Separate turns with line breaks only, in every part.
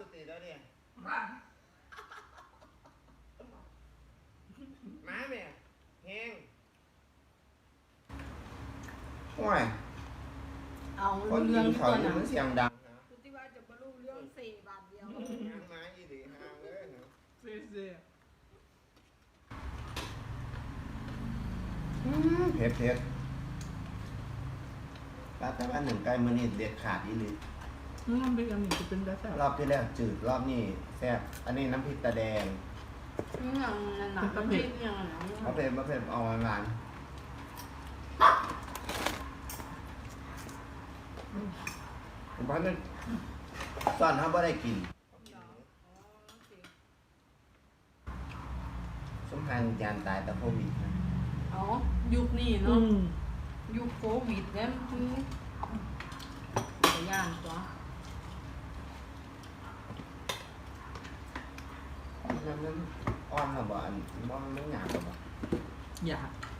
สุติแล้วเนี่ยมาแม่แห้งโอ้ย
เอา
คนยิ
เรื่อง
งเขา
ตัว
อยู่
นั้
มันเสียงดังนะ
คุณที่ว่าจะบรรลุเรื่อง4 บาทเดียว
หางไม้อีดีหางเลยเนาะ
เสีย
เผ็ดเผ็ดแต่ว่าหนึ่งไก่มือนี่เด็ดขาดอีหลี
มันเป็นอันนี้จะเป็นได้แซ่บ
รอบที่แล้วจืดรอบนี้แซ่บอันนี้น้ำพริกตาแดง
นี่อย่างนั้นหนังมันคิดอย่างนั้น
มะเผ็ดเอาหวานผมว่าเนี่ยตอนเขาไม่ได้กินสมพันธ์ยานตายแต่โควิดนะ
อ๋อยุคนี้เนาะยุคโควิดเนี่ยคือย่านตัว
มันอ่อนหรือเปล่ามันไม่หยาบหรือเปล่า
อยาก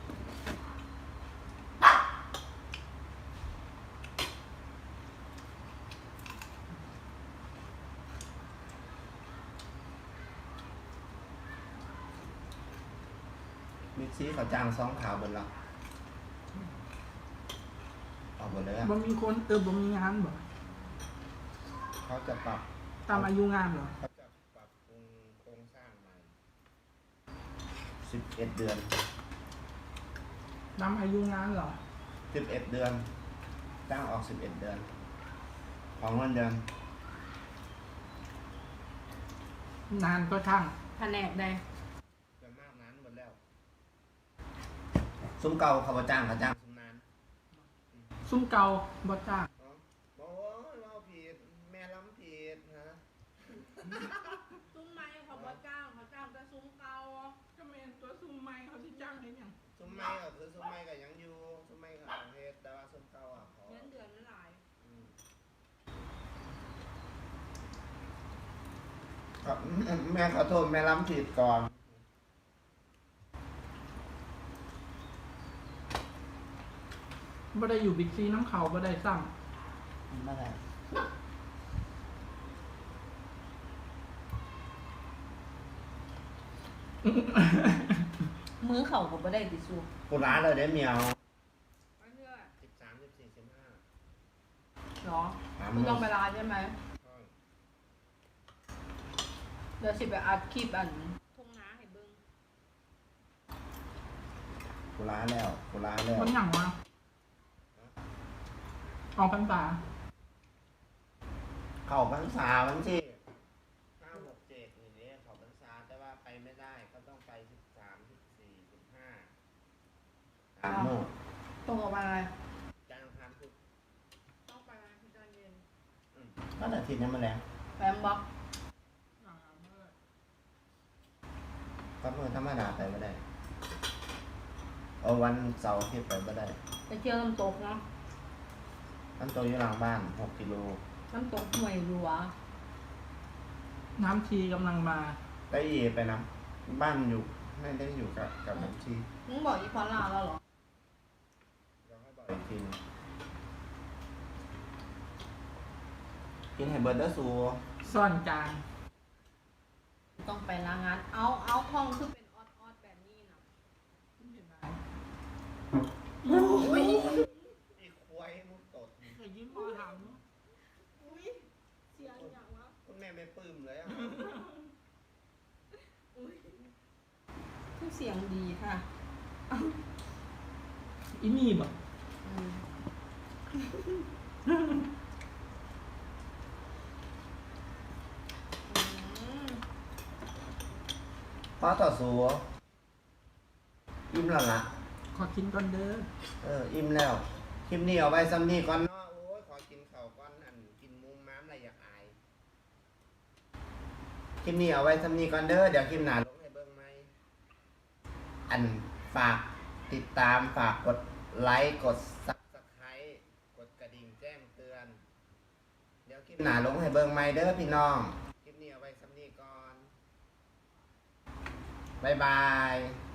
มิกซี่เขาจ้างซองขาวบนเราออกหมดเลยอะ
บ่มีคนบ่มีงานบ่
เขาจะปรับ
ตามอายุงานเหรอ
เขาจะปรับปรุงโครงสร้างใหม่11 เดือน
ตามอายุงานเหรอ
11 เดือนจ้างออก11 เดือน ของเงินเดือน
นานก็ช่าง
แผนกใด
จะมากนั้นหมดแล้ว ซุ้มเก่าเขาบ่จ้างเขาจ้างซุ้มนาน
ซุ้มเก่าบ่จ้าง
บอกเราผิดแม่ล้ำผิดฮะ
ซุ้มไม้เขาบ่จ้างเขาจ้างแต่ซุ้มเก่า
ก็แม่นตัวซุ้มใหม่เขาสิจ้างได้ยัง
ซุ้มไม้ก็คือซุ้มไม้ก็ยังอยู่ซุ้มไม้ก็เอาเฮ็ดแต่ว่าซุ้มเก่าอ่ะเขา
เงินเดือนมันหลาย
ครับแม่ขอโทษแม่ล้ำผิดก่อน
บ่ได้อยู่บิ๊กซีน้ำเขาบ่ได้ซ้
ไม่ได้
มื้อเขาก็บ่ได้ติสู
กูร้านเลยได้เมียว
ไปเรื่อย
13 14 15
หรอคุณต้องไปร้านใช่ไหมเดี๋ยวสิไปอัดคลิปทุ่งนาให้เบิ่ง
กูร้านแล้วกูร้านแล้
ำ
ว
คนหยังวะออกพรรษา
เข้าพรรษาวันที่5 6 7อย่างนี้เข้าพรรษาแต่ว่าไปไม่ได้ก็ต้องไป13 14 15 3 มื้อ
ตรงกับวันอะไร
จันทร์อังคารพุธ
ต้องไปวันพุธตอนเย็น
ก็อาทิตย์นี้มาแล้ว
แฟมบ็อก
ก็เมื่อธรรมดาไปไม่ได้เอาวันเสาร์อาที่ไปไม่ได้
ไปเที่ยวน้ำตกเนาะ
มันตัวอยู่หลังบ้าน6 กิโล
น้ำตกห้วยหลวง
น้ำชีกำลังมา
ได้เยไปนะบ้านอยู่ไม่ได้อยู่กับน้ำชี
มึงบอกอีพอลาแล้วเหรอ
เดี๋ยวให้บอกอีกทีนึงกินไฮเบิร์ดเดอร์ซู
ซ่อนจาน
ต้องไปล้างงานเอาห้องคือเป็นออดแบบนี้นะ
อีควายมุกตด
ไอ้ยิ้มพอถาม
อุ้ยเสียงอย่างวะ
คุณแม่ไม่ปลื้มเลยอ่ะ
อุ้ยคือเสียงดีค่ะ
อีนี่บ่
อืม
พ่อต่อสู้อิ่มแล้วล่ะ
ขอกินก่อนเด้อ
อิ่มแล้วคลิปนี้เอาไว้ซ้ำนี้ก่อนเนาะโอ้ยขอกินข้าวก่อนกินมุมม้ามอะไรอยากอายคลิปนี้เอาไว้ซ้ำนี้ก่อนเด้อเดี๋ยวคลิปหน้าลงให้เบิ่งไหมฝากติดตามฝากกดไลค์กด Subscribe กดกระดิ่งแจ้งเตือน เดี๋ยวคลิปหน้าลงให้เบิ่งไหมเด้อพี่น้องคลิปนี้เอาไว้ซ้ำนี้ก่อนบ๊ายบาย